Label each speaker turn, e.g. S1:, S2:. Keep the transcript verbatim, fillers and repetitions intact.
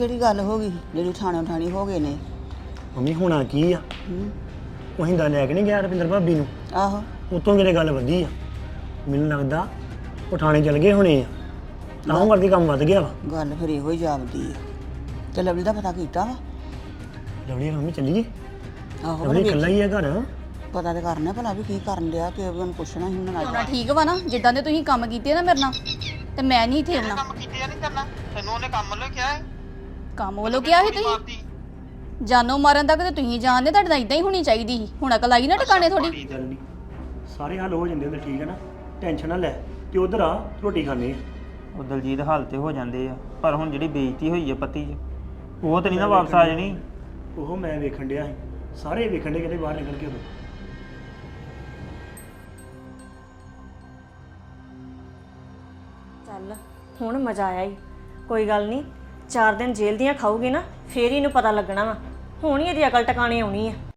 S1: ਕਿਹੜੀ ਗੱਲ ਹੋ ਗਈ ਜਿਹੜੀ ਠਾਣੋ ਠਾਣੀ ਹੋ ਗਏ ਨੇ?
S2: ਮੰਮੀ ਹੋਣਾ ਕੀ ਆ? ਉਹ ਹਿੰਦਾ ਲੈ ਕੇ ਨਹੀਂ ਗਿਆ ਰੁਪਿੰਦਰ ਭਾਬੀ ਨੂੰ।
S1: ਆਹੋ
S2: ਉਤੋਂ ਕਿਤੇ ਗੱਲ ਵਧੀ ਆ। ਮੈਨੂੰ ਲੱਗਦਾ ਉਹ ਥਾਣੇ ਚਲ ਗਏ ਹੋਣੇ ਆ, ਤਾਂ ਉਹ ਕਰਕੇ ਕੰਮ ਵੱਧ ਗਿਆ ਵਾ।
S1: ਗੱਲ ਫਿਰ ਇਹੋ ਹੀ ਜਾਪਦੀ ਆ। ਤੇ ਲਵਲੀ ਦਾ ਪਤਾ ਕੀਤਾ ਵਾ?
S2: ਲਵਲੀ ਮੰਮੀ ਚੱਲੀਏ?
S1: ਆਹੋ
S2: ਲਵਲੀ ਇਕੱਲਾ ਹੀ ਆ ਘਰ।
S1: ਪਤਾ ਤੇ ਕਰਨਾ ਭਲਾ ਵੀ ਕੀ ਕਰਨ ਡਿਆ ਤੇ ਉਹਨੂੰ ਪੁੱਛਣਾ ਸੀ ਉਹਨਾਂ
S3: ਹੋਣਾ
S1: ਨਾਲ।
S3: ਠੀਕ ਵਾ ਨਾ, ਜਿੱਦਾਂ ਦੇ ਤੁਸੀਂ ਕੰਮ ਕੀਤੇ ਨਾ ਮੇਰੇ ਨਾਲ, ਤੇ ਮੈਂ ਨਹੀਂ ਇੱਥੇ ਆਉਣਾ।
S4: ਕੰਮ ਕੀਤੇ ਨਹੀਂ ਕਰਨਾ ਤੈਨੂੰ ਉਹਨੇ ਕੰਮ ਵੱਲੋਂ ਕਿਹਾ ਹੈ।
S3: ਕੰਮ ਵੱਲੋਂ ਕਿਹਾ ਸੀ ਤੁਸੀਂ? ਜਾਨੋਂ ਮਾਰਨ ਤੱਕ ਤੇ ਤੁਸੀਂ ਜਾਣਦੇ, ਤੁਹਾਡੇ ਨਾਲ ਇਦਾਂ ਹੀ ਹੋਣੀ ਚਾਹੀਦੀ ਸੀ। ਹੁਣ ਅਕਲ ਆਈ ਨਾ ਟਿਕਾਣੇ ਥੋੜੀ।
S2: ਗੱਲ ਨਹੀਂ, ਸਾਰੇ ਹੱਲ ਹੋ ਜਾਂਦੇ ਹੁੰਦੇ, ਠੀਕ ਹੈ ਨਾ? ਟੈਨਸ਼ਨ ਨਾ ਲੈ, ਤੇ ਉਧਰ ਆ ਰੋਟੀ ਖਾਣੇ ਆ।
S4: ਉਹ ਦਲਜੀਤ ਹਾਲ ਤੇ ਹੋ ਜਾਂਦੇ ਆ, ਪਰ ਹੁਣ ਜਿਹੜੀ ਬੇਇੱਜ਼ਤੀ ਹੋਈ ਹੈ ਪੱਤੀ 'ਚ, ਉਹ ਤੇ ਨਹੀਂ ਨਾ ਵਾਪਸ ਆ ਜਾਣੀ।
S2: ਉਹ ਮੈਂ ਵੇਖਣ ਡਿਆ ਸੀ, ਸਾਰੇ ਵੇਖਣ ਡੇ ਕਹਿੰਦੇ ਬਾਹਰ ਨਿਕਲ ਕੇ ਉਦੋਂ।
S5: ਚੱਲ ਹੁਣ ਮਜ਼ਾ ਆਇਆ ਹੀ। ਕੋਈ ਗੱਲ ਨਹੀਂ, ਚਾਰ ਦਿਨ ਜੇਲ੍ਹ ਦੀਆਂ ਖਾਊਗੀ ਨਾ, ਫੇਰ ਹੀ ਇਹਨੂੰ ਪਤਾ ਲੱਗਣਾ ਵਾ। ਹੁਣ ਹੀ ਇਹਦੀ ਅਕਲ ਟਿਕਾਣੇ ਆਉਣੀ ਆ।